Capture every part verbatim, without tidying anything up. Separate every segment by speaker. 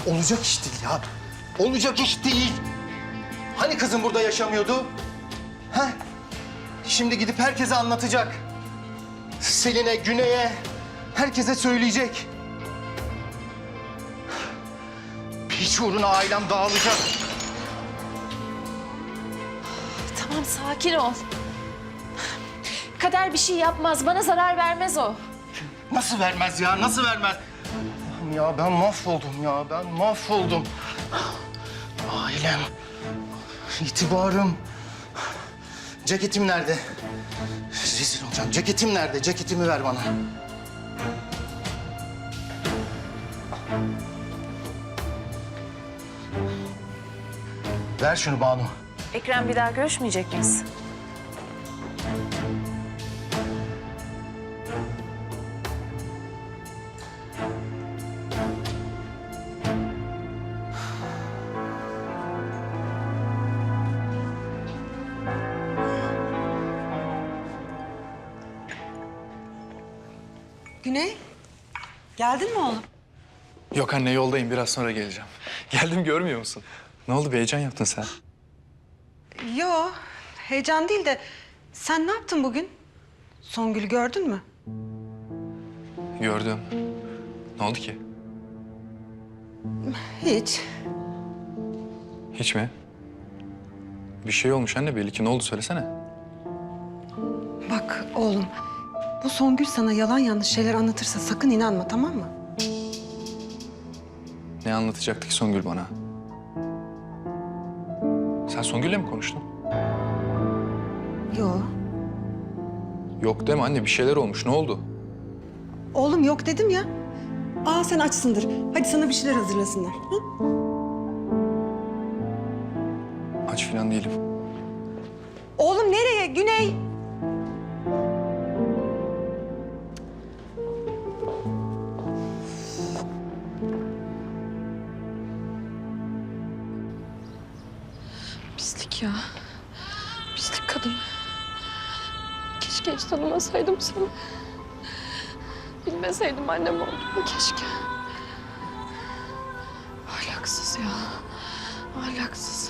Speaker 1: Olacak iş değil ya. Olacak iş değil. Hani kızım burada yaşamıyordu? Heh. Şimdi gidip herkese anlatacak. Selin'e, Güney'e, herkese söyleyecek. Hiç uğruna ailem dağılacak.
Speaker 2: Tamam, sakin ol. Kader bir şey yapmaz, bana zarar vermez o.
Speaker 1: Nasıl vermez ya, nasıl vermez? Ya ben mahvoldum ya, ben mahvoldum. Ailem, itibarım. Ceketim nerede? Rezil olacağım. Ceketim nerede? Ceketimi ver bana. Ver şunu Banu.
Speaker 2: Ekrem, bir daha görüşmeyecek miyiz?
Speaker 3: Güney, geldin mi oğlum?
Speaker 4: Yok anne, yoldayım. Biraz sonra geleceğim. Geldim, görmüyor musun? Ne oldu, bir heyecan yaptın sen?
Speaker 3: Yo, heyecan değil de sen ne yaptın bugün? Songül'ü gördün mü?
Speaker 4: Gördüm. Ne oldu ki?
Speaker 3: Hiç.
Speaker 4: Hiç mi? Bir şey olmuş anne belli ki. Ne oldu, söylesene.
Speaker 3: Bak oğlum, bu Songül sana yalan yanlış şeyler anlatırsa sakın inanma, tamam mı?
Speaker 4: Ne anlatacaktı ki Songül bana? Sen Songül'le mi konuştun?
Speaker 3: Yo.
Speaker 4: Yok deme anne, bir şeyler olmuş. Ne oldu?
Speaker 3: Oğlum yok dedim ya. Aa sen açsındır. Hadi sana bir şeyler hazırlasınlar. Hı?
Speaker 4: Aç falan değilim.
Speaker 3: Oğlum nereye? Güney.
Speaker 5: Pislik ya. Pislik kadın. Keşke hiç tanımasaydım seni. Bilmeseydim annem olduğunu keşke. Ahlaksız ya. Ahlaksız.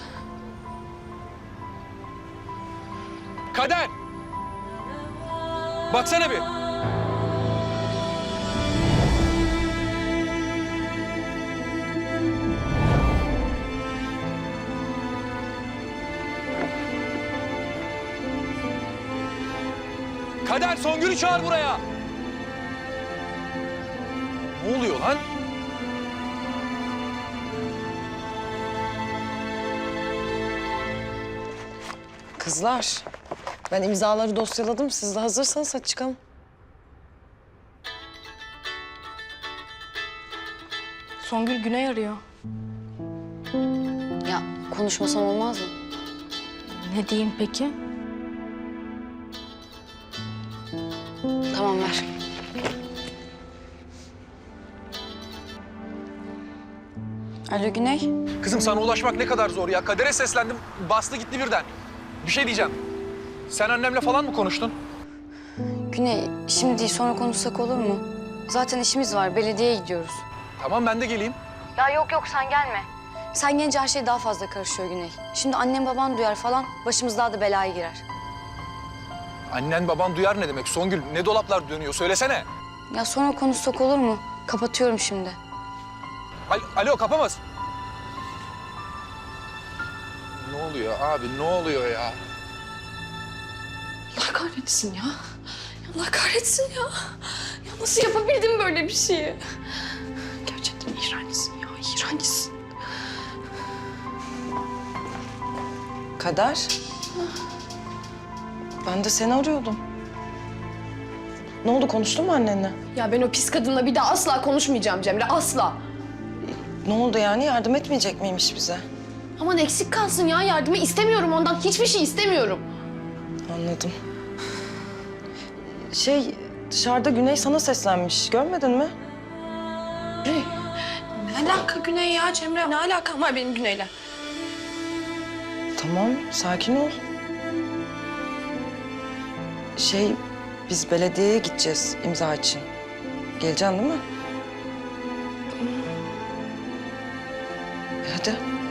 Speaker 4: Kader! Baksana bir. Kader, Songül'ü çağır buraya. Ne oluyor lan?
Speaker 6: Kızlar, ben imzaları dosyaladım. Siz de hazırsanız hadi çıkalım.
Speaker 5: Songül Güney arıyor.
Speaker 6: Ya konuşmasam olmaz mı?
Speaker 5: Ne diyeyim peki?
Speaker 6: Tamam ver. Alo Güney.
Speaker 4: Kızım sana ulaşmak ne kadar zor ya. Kader'e seslendim, bastı gitti birden. Bir şey diyeceğim. Sen annemle falan mı konuştun?
Speaker 6: Güney, şimdi değil sonra konuşsak olur mu? Zaten işimiz var, belediyeye gidiyoruz.
Speaker 4: Tamam, ben de geleyim.
Speaker 6: Ya yok yok sen gelme. Sen gelince her şey daha fazla karışıyor Güney. Şimdi annem baban duyar falan, başımız daha da belaya girer.
Speaker 4: Annen baban duyar ne demek? Songül, ne dolaplar dönüyor? Söylesene.
Speaker 6: Ya sonra konuşsak olur mu? Kapatıyorum şimdi.
Speaker 4: Al Alo, kapamaz. Ne oluyor abi, ne oluyor ya?
Speaker 5: Allah kahretsin ya. Allah kahretsin ya. Ya nasıl yapabildim böyle bir şeyi? Gerçekten iğrençsin ya, iğrençsin.
Speaker 6: Kader. Ben de seni arıyordum. Ne oldu, konuştun mu annenle?
Speaker 5: Ya ben o pis kadınla bir daha asla konuşmayacağım Cemre, asla.
Speaker 6: Ne oldu yani, yardım etmeyecek miymiş bize?
Speaker 5: Aman eksik kalsın ya, yardımı istemiyorum ondan, hiçbir şey istemiyorum.
Speaker 6: Anladım. Şey, dışarıda Güney sana seslenmiş, görmedin mi?
Speaker 5: Ne alaka Güney ya Cemre? Ne alakam var benim Güney'le?
Speaker 6: Tamam, sakin ol. Şey, biz belediyeye gideceğiz imza için. Geleceksin değil mi?
Speaker 3: Hadi.